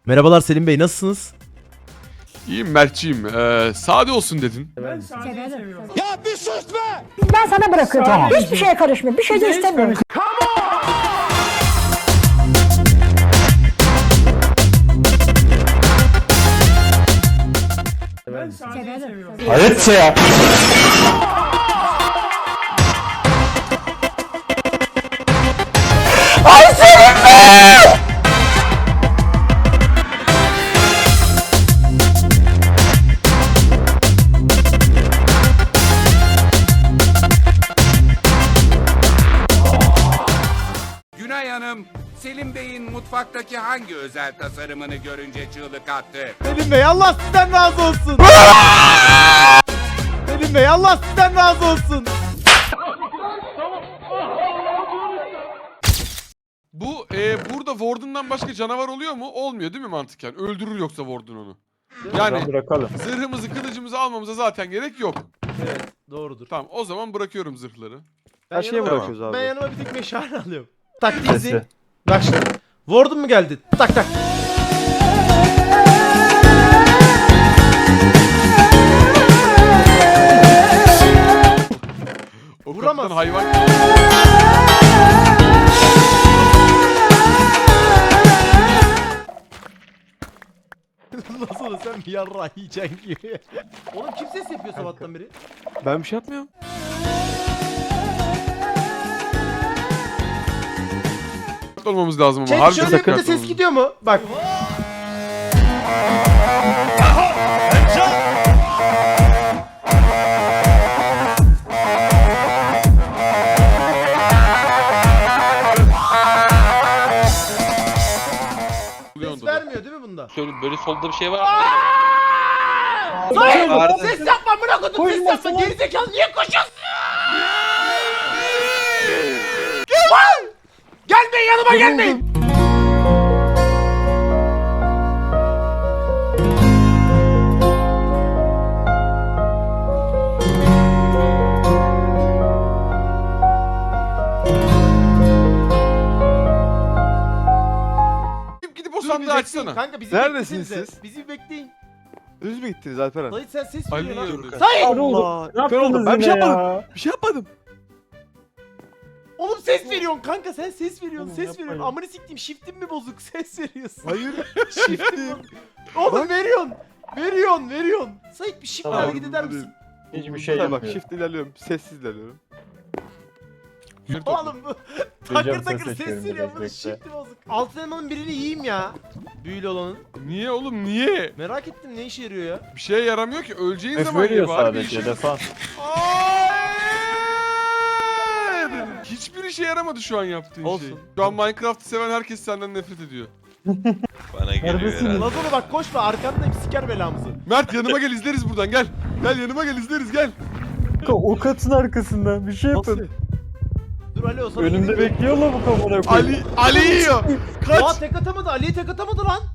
Merhabalar Selim Bey, nasılsınız? İyiyim Mert'ciğim. Sade olsun dedin. Ben sadeyi seviyorum. Ben sana bırakıyorum. Tamam. Hiçbir şeye karışmıyorum. Bir şey de istemiyorum. Ben sadeyi seviyorum. Hayret ya. Günay Hanım, Selim Bey'in mutfaktaki hangi özel tasarımını görünce çığlık attı? Selim Bey, Allah sizden razı olsun. Selim Bey, Allah sizden razı olsun. Bu burada Warden'dan başka canavar oluyor mu? Olmuyor değil mi mantıken? Öldürür yoksa Warden onu. Yani Bırakalım. zırhımızı kılıcımızı almamıza zaten gerek yok. Evet, doğrudur. Tamam o zaman bırakıyorum zırhları. Ben Her şeye yanıma- bırakıyoruz abi. Ben yanıma bir tek meşale alıyorum. Taktiği Sesi. izleyin. Bak şimdi. Warden mu geldi? Tak tak. O Vuramaz. kaptan hayvan. Nasıl olur, sen bir yarrağı yiyeceksin gibi. Oğlum kim ses yapıyor sabahtan beri? Ben bir şey yapmıyorum. Olmamız lazım ama. Şey, Harbi şöyle dikkatli bir de ses olmamız. gidiyor mu? Bak. Oluyor Ses onda da. vermiyor değil mi bunda? Şöyle böyle solda bir şey var. Hayır! Vardı. Ses yapma, bırak onu, ses yapma. Gerizekalı niye koşuyorsun? Gel! Gelmeyin, yanıma gelmeyin. Gidip o Dur, sandığı bir bekleyin. açsana. Kanka bizi Neredesiniz beklesenize. siz? Bizi bir bekleyin. Düz mü gittiniz Alperen? Dayı sen ses Ali veriyorsun yiyor. ha. Dayı! Allah. Kör oldum. Ben bir şey yapmadım. Bir şey yapmadım. Oğlum ses veriyorsun kanka, sen ses veriyorsun, Oğlum ses yapmayın. veriyorsun. Amını siktim, shift'in mi bozuk? Ses veriyorsun. Hayır. Shift'im. Oğlum veriyorsun. Veriyorsun. Sait bir shift'le Tamam, hareket eder misin? Hiçbir şey bak shift ilerliyorum. Sessiz ilerliyorum. Yürü topla. Oğlum bu takır ses takır ses seçiyorum veriyor, direkt, bunun bekle. shift'i bozuk. Altın elmanın birini yiyeyim ya. Büyülü olanın. Niye oğlum niye? Merak ettim, ne işe yarıyor ya? Bir şeye yaramıyor ki. Öleceğin F zaman ye veriyor bari bir sadece işe. defans. Hayır! Hiçbir işe yaramadı şu an yaptığın şey. Olsun. Şu an Minecraft'ı seven herkes senden nefret ediyor. Bana geliyor herhalde. Lazona bak, koşma, arkandayım, siker belamızı. Mert yanıma gel izleriz buradan gel. Gel yanıma gel izleriz gel. O katın arkasında bir şey yapın. Dur Ali, o sana Önümde gideyim. bekliyorlar bu kamera koyayım. Ali yiyor. Aa, Kaç. tek atamadı, Ali'ye tek atamadı lan.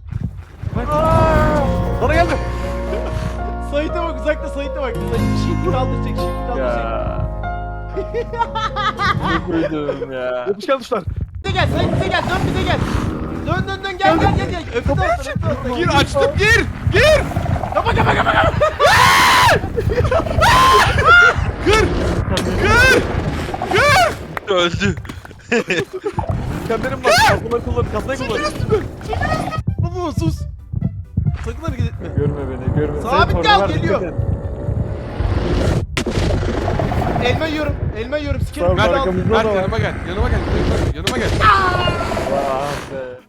Bana geldi. Sait'e bak, uzakta Sait'e bak. Sait shift'i kaldıracak, shift'i kaldıracak. Ya. Ne koydum ya. Yapışkan tuşlar. Bize gel, Sait bize gel, dön bize gel. Dön gel. Öpü taraftan. Gir açtım gir. Gir. Kapa. Kır. Kır. Kır. Öldü. Kendilerim bak. Kasmayı kullan. Kasmayı kullan. Baba sus. Sakın hareket etme. Görme beni görme. Sabit Sen kal, torba ver, geliyor. dikkat et. Elma yiyorum. Sikerim. Sağ ol, Mert, arkamızda Mert da var. yanıma gel. Yanıma gel. Yanıma gel. Ah be.